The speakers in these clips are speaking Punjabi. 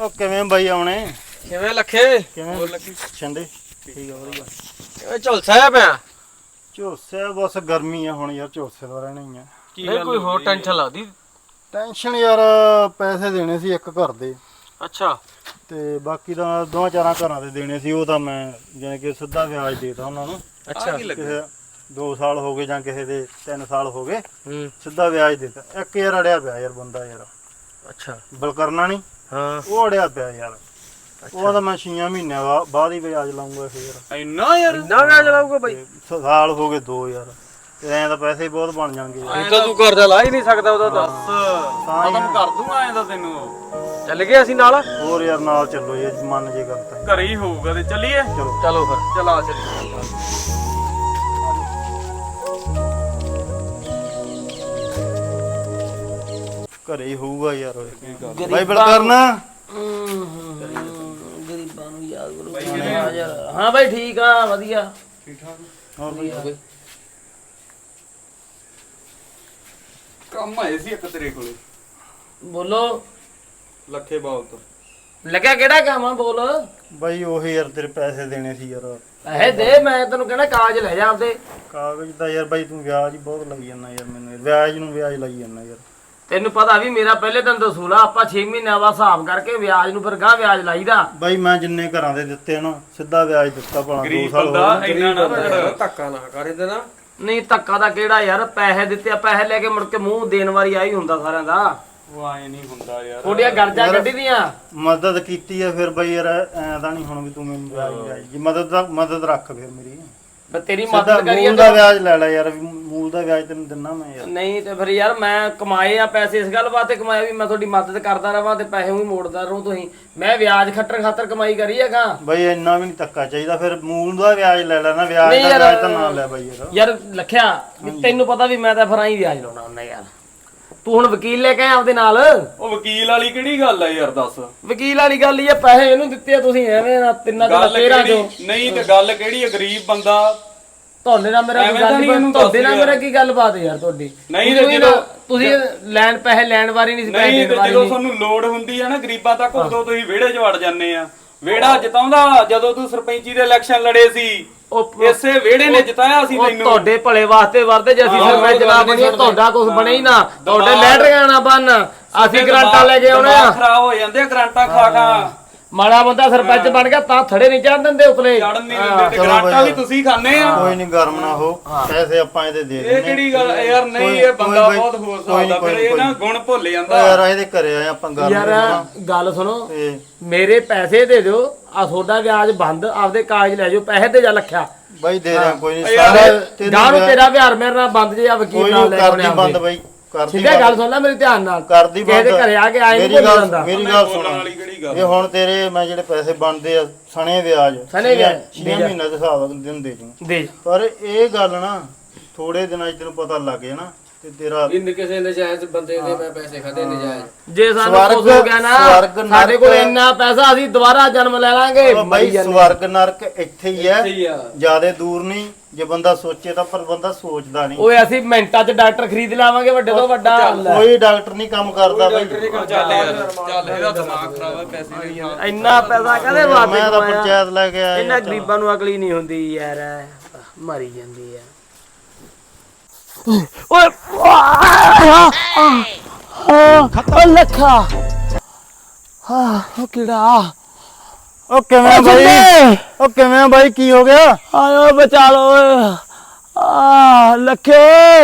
ਉਹ ਕਿਵੇਂ ਬਾਈ ਆਉਣੇ ਕਿਵੇਂ ਲੱਖੇ ਕਿਵੇਂ ਹੋਰ ਲੱਗੀ ਛੰਦੇ ਠੀਕ ਆ ਵਧੀਆ ਕਿਵੇਂ ਝੁਲਸਿਆ ਪਿਆ ਝੋਸੇ ਬਸ ਗਰਮੀ ਆ ਹੁਣ ਯਾਰ ਝੋਸੇ ਦਾ ਰਹਿਣਾ ਹੀ ਆ ਨਹੀਂ ਕੋਈ ਹੋਰ ਟੈਨਸ਼ਨ ਲੱਗਦੀ ਟੈਨਸ਼ਨ ਯਾਰ ਪੈਸੇ ਦੇਣੇ ਸੀ ਇੱਕ ਘਰ ਦੇ ਅੱਛਾ ਤੇ ਬਾਕੀ ਤਾਂ ਦੋਵਾਂ ਚਾਰਾਂ ਘਰਾਂ ਦੇ ਦੇਣੇ ਸੀ ਉਹ ਤਾਂ ਮੈਂ ਜਿਵੇਂ ਕਿ ਸਿੱਧਾ ਵਿਆਜ ਦੇਤਾ ਉਹਨਾਂ ਨੂੰ ਅੱਛਾ ਕਿਸੇ 2 ਸਾਲ ਹੋ ਗਏ ਜਾਂ ਕਿਸੇ ਦੇ 3 ਸਾਲ ਹੋ ਗਏ ਸਿੱਧਾ ਵਿਆਜ ਦੇਤਾ ਇੱਕ ਯਾਰ ਅੜਿਆ ਪਿਆ ਯਾਰ ਬੰਦਾ ਯਾਰ ਅੱਛਾ ਬਲਕਰਨਾ ਨਹੀਂ ਹਾਂ ਉਹ ਅੜਿਆ ਪਿਆ ਯਾਰ ਉਹ ਤਾਂ ਮੈਂ 6 ਮਹੀਨਿਆਂ ਬਾਅਦ ਹੀ ਵਿਆਜ ਲਾਉਂਗਾ ਫੇਰ ਇੰਨਾ ਯਾਰ ਇੰਨਾ ਵਿਆਜ ਲਾਊਗਾ ਬਾਈ ਸਾਲ ਹੋ ਗਏ 2 ਯਾਰ ਤੇ ਐਂ ਤਾਂ ਪੈਸੇ ਹੀ ਬਹੁਤ ਬਣ ਜਾਣਗੇ ਐਂ ਤਾਂ ਤੂੰ ਕਰਜ਼ਾ ਲਾ ਹੀ ਨਹੀਂ ਸਕਦਾ ਉਹਦਾ ਦੱਸ ਖਤਮ ਕਰ ਦੂੰਗਾ ਐਂ ਤਾਂ ਤੈਨੂੰ ਚੱਲ ਗਏ ਅਸੀਂ ਨਾਲ ਹੋਰ ਯਾਰ ਨਾਲ ਚੱਲੋ ਜੇ ਮਨ ਜੇ ਕਰਤਾ ਘਰੇ ਹੀ ਹੋਊਗਾ ਤੇ ਚੱਲੀਏ ਚਲੋ ਚਲੋ ਫਿਰ ਚਲਾ ਚੱਲੀਏ ਘਰੇ ਹੀ ਹੋਊਗਾ ਯਾਰ ਬਾਈ ਬਲਕਰਨਾ ਗਰੀਬਾਂ ਨੂੰ ਯਾਦ ਕਰੋ ਹਾਂ ਬਾਈ ਠੀਕ ਆ ਵਧੀਆ ਹੋਰ ਬਾਈ ਕੰਮ ਆਏ ਸੀ ਇੱਕ ਤੇਰੇ ਕੋਲੇ ਬੋਲੋ ਲੱਖੇ ਬਾਲ ਤੋਂ ਲੱਗਿਆ ਕਿਹੜਾ ਕੰਮ ਆ ਬੋਲ ਬਾਈ ਉਹੀ ਯਾਰ ਤੇਰੇ ਪੈਸੇ ਦੇਣੇ ਸੀ ਯਾਰ ਪੈਸੇ ਦੇ ਮੈਂ ਤੈਨੂੰ ਕਹਿੰਦਾ ਕਾਗਜ਼ ਲੈ ਜਾ ਆਪਦੇ ਕਾਗਜ਼ ਦਾ ਯਾਰ ਬਾਈ ਤੂੰ ਵਿਆਜ ਹੀ ਬਹੁਤ ਲਾਈ ਜਾਂਦਾ ਯਾਰ ਮੈਨੂੰ ਵਿਆਜ ਨੂੰ ਵਿਆਜ ਲਾਈ ਜਾਂਦਾ ਯਾਰ ਤੈਨੂੰ ਪਤਾ ਵੀ ਮੇਰਾ ਪਹਿਲੇ ਦਿਨ ਤੋਂ ਅਸੂਲ ਆ ਆਪਾਂ 6 ਮਹੀਨਿਆਂ ਬਾਅਦ ਹਿਸਾਬ ਕਰਕੇ ਵਿਆਜ ਨੂੰ ਫਿਰ ਗਾਂ ਵਿਆਜ ਲਾਈਦਾ ਬਾਈ ਮੈਂ ਜਿੰਨੇ ਘਰਾਂ ਦੇ ਦਿੱਤੇ ਨਾ ਸਿੱਧਾ ਵਿਆਜ ਦਿੱਤਾ ਭਲਾ 2 ਗਰੀਬ ਸਾਲ ਹੋ ਬੰਦਾ ਗਏ ਇੰਨਾ ਨਾ ਲੜ ਧੱਕਾ ਨਾ ਕਰ ਇਹਦੇ ਨਾਲ ਨਹੀਂ ਧੱਕਾ ਦਾ ਕਿਹੜਾ ਯਾਰ ਪੈਸੇ ਦਿੱਤੇ ਆ ਪੈਸੇ ਲੈ ਕੇ ਮੁੜ ਕੇ ਮੂੰਹ ਦੇਣ ਵਾਰੀ ਆਈ ਹੁੰਦਾ ਸਾਰਿਆਂ ਦਾ ਉਹ ਆਏ ਨਹੀਂ ਹੁੰਦਾ ਯਾਰ ਥੋੜੀਆਂ ਗਰਜਾ ਕੱਢੀ ਦੀਆਂ ਮਦਦ ਕੀਤੀ ਆ ਫਿਰ ਬਾਈ ਯਾਰ ਐਂ ਤਾਂ ਨਹੀਂ ਹੁਣ ਵੀ ਤੂੰ ਮੈਨੂੰ ਵਿਆਜ ਜੀ ਮਦਦ ਰੱਖ ਫਿਰ ਮੇਰੀ ਮੈਂ ਤੇਰੀ ਸਿੱਧਾ ਮਦਦ ਕਰੀਏ ਮੂਲ ਦਾ ਵਿਆਜ ਲੈ ਲੈ ਯਾਰ ਮੂਲ ਦਾ ਵਿਆਜ ਤੈਨੂੰ ਦਿੰਨਾ ਮੈਂ ਯਾਰ ਨਹੀਂ ਤੇ ਫਿਰ ਯਾਰ ਮੈਂ ਕਮਾਏ ਆ ਪੈਸੇ ਇਸ ਗੱਲ ਵਾਸਤੇ ਕਮਾਏ ਵੀ ਮੈਂ ਤੁਹਾਡੀ ਮਦਦ ਕਰਦਾ ਰਵਾਂ ਤੇ ਪੈਸੇ ਵੀ ਮੋੜਦਾ ਰਹੂੰ ਤੁਸੀਂ ਮੈਂ ਵਿਆਜ ਖੱਟਣ ਖਾਤਰ ਕਮਾਈ ਕਰੀ ਹੈਗਾ ਬਾਈ ਇੰਨਾ ਵੀ ਨਹੀਂ ਧੱਕਾ ਚਾਹੀਦਾ ਫਿਰ ਮੂਲ ਦਾ ਵਿਆਜ ਲੈ ਲੈਣਾ ਵਿਆਜ ਨਹੀਂ ਦਾ ਯਾਰ, ਵਿਆਜ ਤਾਂ ਨਾ ਲੈ ਬਾਈ ਯਾਰ ਯਾਰ ਲਖਿਆ ਵੀ ਤੈਨੂੰ ਪਤਾ ਵੀ ਮੈਂ ਤਾਂ ਫਿਰ ਆਈ ਵਿਆਜ ਲਾਉਣਾ ਹੁੰਦਾ ਯਾਰ ਤੂੰ ਹੁਣ ਵਕੀਲ ਲੈ ਕੇ ਆ ਆਪਦੇ ਨਾਲ ਉਹ ਵਕੀਲ ਵਾਲੀ ਕਿਹੜੀ ਗੱਲ ਆ ਯਾਰ ਦੱਸ ਵਕੀਲ ਵਾਲੀ ਗੱਲ ਹੀ ਆ ਪੈਸੇ ਇਹਨੂੰ ਦਿੱਤੇ ਆ ਤੁਸੀਂ ਐਵੇਂ ਨਾ ਤਿੰਨਾਂ ਚੋਂ ਗੱਲ 13 ਚੋਂ ਕਿਹੜੀ ਨਹੀਂ ਤੇ ਗੱਲ ਕਿਹੜੀ ਆ ਗਰੀਬ ਬੰਦਾ ਤੁਹਾਡੇ ਨਾਲ ਮੇਰਾ ਐਵੇਂ ਕੋਈ ਤਾਂ ਗੱਲ ਨਹੀਂ ਨਹੀਂ ਇਹਨੂੰ ਤੁਹਾਡੇ ਨਾਲ ਦੱਸ ਮੇਰਾ ਕੀ ਗੱਲਬਾਤ ਹੈ ਯਾਰ ਤੁਹਾਡੀ ਨਹੀਂ ਤੁਸੀਂ ਤੇ ਨਾ- ਜਦੋਂ- ਤੁਸੀਂ ਲੈਣ ਪੈਸੇ ਲੈਣ ਵਾਰੀ ਨਹੀਂ ਸੀ ਪੈਸੇ ਨਹੀਂ ਦੇਣ ਤੇ ਵਾਰੀ ਜਦੋਂ ਨਹੀਂ ਤੁਹਾਨੂੰ ਲੋੜ ਹੁੰਦੀ ਆ ਨਾ ਗਰੀਬਾਂ ਤੱਕ ਉਦੋਂ ਤੁਸੀਂ ਵਿਹੜੇ 'ਚ ਵੜ ਜਾਂਦੇ ਆ ਵਿਹੜਾ ਜਿਤਾਉਂਦਾ ਜਦੋਂ ਤੂੰ ਸਰਪੰਚੀ ਦੇ ਇਲੈਕਸ਼ਨ ਲੜੇ ਸੀ ਇਸੇ ਵਿਹੜੇ ਨੇ ਜਿਤਾਇਆ ਸੀ ਉਹ ਤੈਨੂੰ ਤੁਹਾਡੇ ਭਲੇ ਵਾਸਤੇ ਵਰਦੇ ਜੇ ਅਸੀਂ ਸਰਪੰਚ ਜਨਾਬ ਬਣੀਏ ਤੁਹਾਡਾ ਕੁਝ ਬਣੇ ਹੀ ਨਾ ਤੁਹਾਡੇ ਲੈਟਰੀਆਂ ਨਾ ਬਣ ਅਸੀਂ ਗਰਾਂਟਾਂ ਲੈ ਕੇ ਆਉਣੇ ਆ ਖਰਾਬ ਹੋ ਜਾਂਦੇ ਆ ਗਰਾਂਟਾਂ ਖਾ ਖਾ ਮਾੜਾ ਬੰਦਾ ਸਰਪੰਚ ਬਣ ਗਿਆ ਤਾਂ ਥੜੇ ਨਹੀਂ ਚੜ੍ਹ ਦਿੰਦੇ ਉਪਲੇ ਚੜਨ ਨਹੀਂ ਦਿੰਦੇ ਤੇ ਗਰਾਂਟਾਂ ਵੀ ਤੁਸੀਂ ਖਾਣੇ ਆ ਕੋਈ ਨਹੀਂ ਗਰਮ ਨਾ ਹੋ ਪੈਸੇ ਆਪਾਂ ਇਹਦੇ ਦੇ ਇਹ ਕਿਹੜੀ ਗੱਲ ਯਾਰ ਨਹੀਂ ਇਹ ਬੰਦਾ ਬਹੁਤ ਹੋਰ ਸਕਦਾ ਫਿਰ ਇਹ ਨਾ ਗੁਣ ਭੁੱਲ ਜਾਂਦਾ ਯਾਰ ਇਹਦੇ ਘਰੇ ਆਏ ਆਪਾਂ ਗਰਮ ਯਾਰ ਗੱਲ ਸੁਣੋ ਤੇ ਮੇਰੇ ਪੈਸੇ ਦੇ ਦਿਓ ਆ ਤੁਹਾਡਾ ਵਿਆਜ ਬੰਦ ਆਪਦੇ ਕਾਗਜ਼ ਲੈ ਜਾਓ ਪੈਸੇ ਤੇ ਜਾ ਲੱਖਿਆ ਬਾਈ ਦੇ ਦਿਆਂ ਕੋਈ ਨਹੀਂ ਯਾਰ, ਸਾਰੇ ਗਾਂ ਨੂੰ ਤੇਰਾ ਵਿਹਾਰ ਮੇਰੇ ਨਾਲ ਬੰਦ ਜੇ ਆ ਵਕੀਲ ਕੋਈ ਨਾਲ ਨਹੀਂ ਲੈ ਕਰਦੀ ਬੰਦ ਬਾਈ ਕਰਦੀ ਠੀਕ ਹੈ ਗੱਲ ਸੁਣ ਲੈ ਮੇਰੀ ਧਿਆਨ ਨਾਲ ਕਰਦੀ ਕਿਸੇ ਦੇ ਘਰੇ ਆ ਕੇ ਆਏ ਨਹੀਂ ਮੇਰੀ ਬੋਲ ਗੱਲ ਜਾਂਦਾ ਮੇਰੀ ਗੱਲ ਬੋਲਣ ਸੁਣ ਵਾਲੀ ਕਿਹੜੀ ਗੱਲ ਇਹ ਹੁਣ ਤੇਰੇ ਮੈਂ ਜਿਹੜੇ ਪੈਸੇ ਬਣਦੇ ਆ ਸਣੇ ਵਿਆਜ ਸਣੇ ਵਿਆਜ, 6 ਮਹੀਨੇ ਦੇ ਹਿਸਾਬ ਨਾਲ ਦਿੰਦੇ ਜੀ ਦੇ ਪਰ ਇਹ ਗੱਲ ਨਾ ਥੋੜੇ ਦਿਨਾਂ 'ਚ ਤੈਨੂੰ ਪਤਾ ਲੱਗ ਜਾਣਾ ਤੇ ਤੇਰਾ ਇਨ ਕਿਸੇ ਨਜਾਇਜ਼ ਬੰਦੇ ਦੇ ਮੈਂ ਪੈਸੇ ਖਾਦੇ ਨਜਾਇਜ਼ ਜੇ ਸਾਨੂੰ ਕੁਝ ਹੋ ਗਿਆ ਨਾ ਸਵਰਗ ਸਾਡੇ ਕੋਲ ਨਰਕ- ਇੰਨਾ ਪੈਸਾ ਅਸੀਂ ਦੁਬਾਰਾ ਜਨਮ ਲੈ ਲਾਂਗੇ ਬਾਈ ਸਵਰਗ ਨਰਕ ਇੱਥੇ ਹੀ ਹੈ ਸਹੀ ਆ ਜਿਆਦੇ ਦੂਰ ਨਹੀਂ ਜੇ ਬੰਦਾ ਸੋਚੇ ਤਾਂ ਪਰ ਬੰਦਾ ਸੋਚਦਾ ਨਹੀਂ ਓਏ ਅਸੀਂ ਮਿੰਟਾਂ 'ਚ ਡਾਕਟਰ ਖਰੀਦ ਲਾਵਾਂਗੇ ਵੱਡੇ ਤੋਂ ਵੱਡਾ ਕੋਈ ਡਾਕਟਰ ਨਹੀਂ ਕੰਮ ਕਰਦਾ ਬਾਈ ਚੱਲ ਯਾਰ ਚੱਲ ਇਹਦਾ ਦਿਮਾਗ ਖਰਾਬ ਹੈ ਪੈਸੇ ਨਹੀਂ ਆ ਇੰਨਾ ਪੈਸਾ ਕਦੇ ਵਾਦੇ ਮੈਂ ਤਾਂ ਪੰਚਾਇਤ ਲੈ ਕੇ ਆਇਆ ਇਹਨਾਂ ਗਰੀਬਾਂ ਨੂੰ ਅਕਲ ਹੀ ਨਹੀਂ ਹੁੰਦੀ ਯਾਰ ਮਰੀ ਜਾਂਦੀ ਆ ਓਏ ਓ ਲੱਖਾ ਹਾਂ ਉਹ ਕਿਹੜਾ ਉਹ ਕਿਵੇਂ ਬਾਈ ਉਹ ਕਿਵੇਂ ਬਾਈ ਕੀ ਹੋ ਗਿਆ ਆਇਓ ਬਚਾ ਲੋ ਲੱਖੇ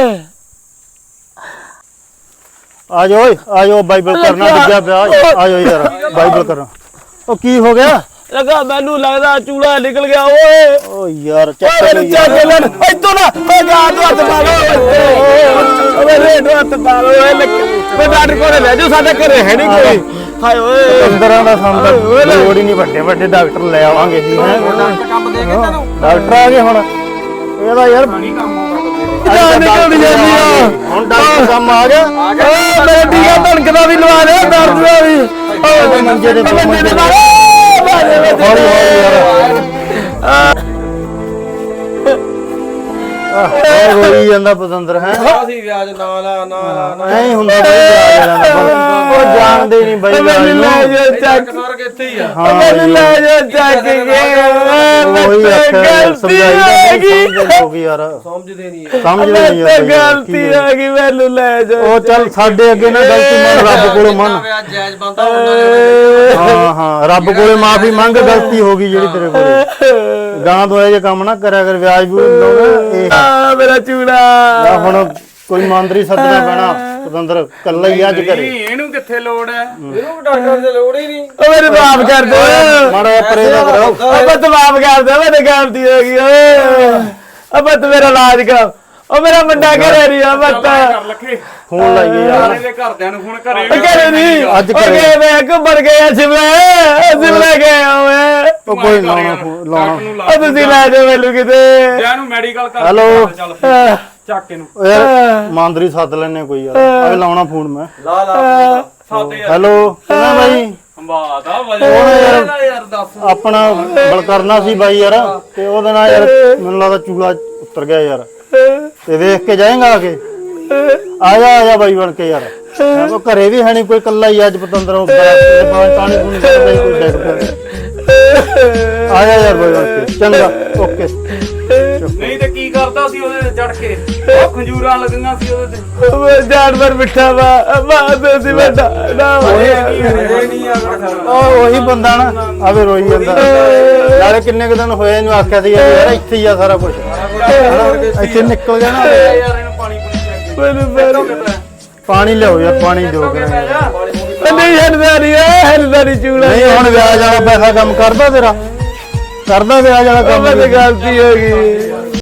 ਆਜੋ ਓਏ ਆਜੋ ਬਾਈਬਲ ਕਰਨਾ ਡਿੱਗਿਆ ਪਿਆ ਆਜੋ ਯਾਰ ਬਾਈਬਲ ਕਰਨਾ ਉਹ ਕੀ ਹੋ ਗਿਆ ਲਗਾ ਮੈਨੂੰ ਲੱਗਦਾ ਚੂੜਾ ਨਿਕਲ ਗਿਆ ਓਏ ਓ ਯਾਰ ਚੱਕ ਓਏ ਚੱਕ ਲੈ ਇੱਥੋਂ ਨਾ ਓਏ ਗਾਂ ਨੂੰ ਹੱਥ ਪਾ ਲਓ ਓਏ ਰੇਡ ਹੱਥ ਪਾ ਲਓ ਓਏ ਓਏ ਡਾਕਟਰ ਕੋਲ ਲੈ ਜਾਓ ਸਾਡੇ ਘਰੇ ਹੈ ਨਹੀਂ ਕੋਈ ਹਾਏ ਓਏ ਅੰਦਰਾਂ ਦਾ ਸੰਦ ਲੋੜ ਹੀ ਨਹੀਂ ਵੱਡੇ ਵੱਡੇ ਡਾਕਟਰ ਲੈ ਆਵਾਂਗੇ ਜੀ ਹੈ ਕੰਮ ਦੇ ਕੇ ਤੈਨੂੰ ਡਾਕਟਰ ਆ ਗਏ ਹੁਣ ਇਹਦਾ ਯਾਰ ਜਾਨ ਨਿਕਲ ਜਾਂਦੀ ਆ ਹੁਣ ਡਾਕਟਰ ਕੰਮ ਆ ਗਿਆ ਓਏ ਮੇਰੇ ਟੀਕਾ ਧਣਕਦਾ ਵੀ ਲਵਾ ਦੇ ਦਰਦ ਦਾ ਵੀ ਓਏ ਮੰਜੇ ਦੇ ਮੰਜੇ ਦੇ ਹੌਲੀ ਹੌਲੀ ਯਾਰ ਹੋਈ ਜਾਂਦਾ ਪਤੰਦਰ ਹੈ ਅਸੀਂ ਵਿਆਜ ਨਾ ਲਾ ਨਾ ਲਾ ਐਂ ਹੁੰਦਾ ਬਈ ਵਿਆਜ ਲੈਣਾ ਉਹ ਜਾਣਦੇ ਨਹੀਂ ਬਾਈ ਮੈਨੂੰ ਲੈ ਜਾ ਚੱਕ ਸਵਰਗ ਇੱਥੇ ਹੀ ਆ ਹਾਂ ਮੈਨੂੰ ਲੈ ਜਾ ਚੱਕ ਕੇ ਉਹੀ ਆਖਿਆ ਸਮਝਾਈ ਹੋ ਗਈ ਯਾਰ ਸਮਝਦੇ ਨਹੀਂ ਸਮਝਦੇ ਨਹੀਂ ਯਾਰ ਗਲਤੀ ਆ ਗਈ ਮੈਨੂੰ ਲੈ ਜਾ ਉਹ ਚੱਲ ਸਾਡੇ ਅੱਗੇ ਨਾ ਗਲਤੀ ਮੰਨ ਰੱਬ ਕੋਲੋਂ ਮੰਨ ਜਾਇਜ਼ ਬੰਦਾ ਉਹਨਾਂ ਹਾਂ ਹਾਂ ਰੱਬ ਕੋਲੇ ਮਾਫੀ ਮੰਗ ਗਲਤੀ ਹੋ ਗਈ ਜਿਹੜੀ ਤੇਰੇ ਕੋਲੇ ਗਾਂ ਤੋਂ ਇਹ ਜੇ ਕੰਮ ਨਾ ਕਰਿਆ ਕਰ ਵਿਆਜ ਵੀ ਲਾਉਣਾ ਇਹ ਆ ਮੇਰਾ ਚੂੜਾ ਆ ਹੁਣ ਕੋਈ ਮੰਤਰੀ ਸੱਦਣਾ ਪੈਣਾ ਪਤੰਦਰ ਕੱਲਾ ਹੀ ਅੱਜ ਕਰੇ ਇਹਨੂੰ ਕਿੱਥੇ ਲੋੜ ਹੈ ਇਹਨੂੰ ਡਾਕਟਰ ਦੀ ਲੋੜ ਹੀ ਨਹੀਂ ਓ ਮੇਰੇ ਮਾਫ ਕਰ ਦੇ ਮਾੜਾ ਜਿਹਾ ਪਰੇ ਦਾ ਕਰੋ ਅਬਾ ਤੂੰ ਮਾਫ ਕਰ ਦੇ ਮੈਨੂੰ ਗਲਤੀ ਹੋ ਗਈ ਓਏ ਅਬਾ ਤੂੰ ਮੇਰਾ ਇਲਾਜ ਕਰ ਓ ਮੇਰਾ ਮੁੰਡਾ ਘਰੇ ਨਹੀਂ ਆ ਬੱਤ ਕਰ ਲੱਖੇ ਫੋਨ ਲਾਈਏ ਯਾਰ ਇਹਦੇ ਘਰਦਿਆਂ ਨੂੰ ਹੁਣ ਘਰੇ ਘਰੇ ਨਹੀਂ ਅੱਜ ਓ ਗਏ ਮੈਂ ਘੁੰਮਣ ਗਏ ਆ ਸ਼ਿਮਲੇ ਗਏ ਆ ਓਏ ਉਹ ਕੋਈ ਲਾਉਣਾ ਓ ਤੁਸੀਂ ਲੈ ਜਾਓ ਮੈਨੂੰ ਕਿਤੇ ਜਾਂ ਨੂੰ ਮੈਡੀਕਲ ਕਰ ਹੈਲੋ। ਚੱਲ ਚੱਕ ਇਹਨੂੰ ਓ ਯਾਰ ਮੰਤਰੀ ਸੱਦ ਲੈਣੇ ਕੋਈ ਯਾਰ ਆ ਲਾਉਣਾ ਫੋਨ ਮੈਂ ਲਾ ਸਾਦੇ ਯਾਰ ਹੈਲੋ ਕਿਵੇਂ ਬਾਈ ਬਾਤ ਆ ਵਜੇ ਯਾਰ ਦੱਸ ਆਪਣਾ ਬਲ ਕਰਨਾ ਸੀ ਬਾਈ ਯਾਰ ਤੇ ਉਹਦੇ ਨਾਲ ਯਾਰ ਮੈਨੂੰ ਲੱਗਦਾ ਚੂਲਾ ਉਤਰ ਗਿਆ ਯਾਰ ਤੇ ਵੇਖ ਕੇ ਜਾਏਗਾ ਆ ਕੇ ਆ ਜਾ ਬਾਈ ਬਣ ਕੇ ਯਾਰ ਉਹ ਘਰੇ ਵੀ ਹੈ ਨਹੀਂ ਕੋਈ ਕੱਲਾ ਹੀ ਅੱਜ ਪਤੰਦਰ ਪਾਣੀ ਪੂਣੀ ਕਰਦਾ ਹੀ ਕੋਈ ਡੈਕ ਪਿਆ ਆ ਜਾ ਯਾਰ ਬਾਈ ਬਣ ਕੇ ਚੰਗਾ ਓਕੇ ਨਹੀਂ ਤੇ ਕੀ ਕਰਦਾ ਸੀ ਉਹਦੇ ਤੇ ਚੜ ਕੇ ਉਹ ਖੰਜੂਰਾਂ ਲੱਗੀਆਂ ਸੀ ਉਹਦੇ ਤੇ ਓ ਜਾਨਵਰ ਮਿੱਠਾ ਵਾ ਬਾਤ ਸੀ ਬੇਟਾ ਨਾ ਇਹ ਨਹੀਂ ਆ ਉਹੀ ਬੰਦਾ ਨਾ ਆਵੇ ਰੋਈ ਜਾਂਦਾ ਨਾਲੇ ਕਿੰਨੇ ਕੁ ਦਿਨ ਹੋਏ ਇਹਨੂੰ ਆਖਿਆ ਸੀ ਯਾਰ ਇੱਥੇ ਹੀ ਆ ਸਾਰਾ ਕੁਝ ਇੱਥੇ ਨਿਕਲ ਗਿਆ ਨਾ ਯਾਰ ਇਹਨੂੰ ਪਾਣੀ ਪੂਣੀ ਪਾਣੀ ਲਿਆਓ ਯਾਰ ਪਾਣੀ ਦਿਓ ਨਹੀਂ ਹਰਦਾ ਨਹੀਂ ਚੂੜਾ ਨਹੀਂ ਹੁਣ ਵਿਆਜ ਵਾਲਾ ਪੈਸਾ ਕੰਮ ਕਰਦਾ ਤੇਰਾ ਕਰਦਾ ਵਿਆਜ ਵਾਲਾ ਕੰਮ ਮੈਨੂੰ ਗਲਤੀ ਹੋ ਗਈ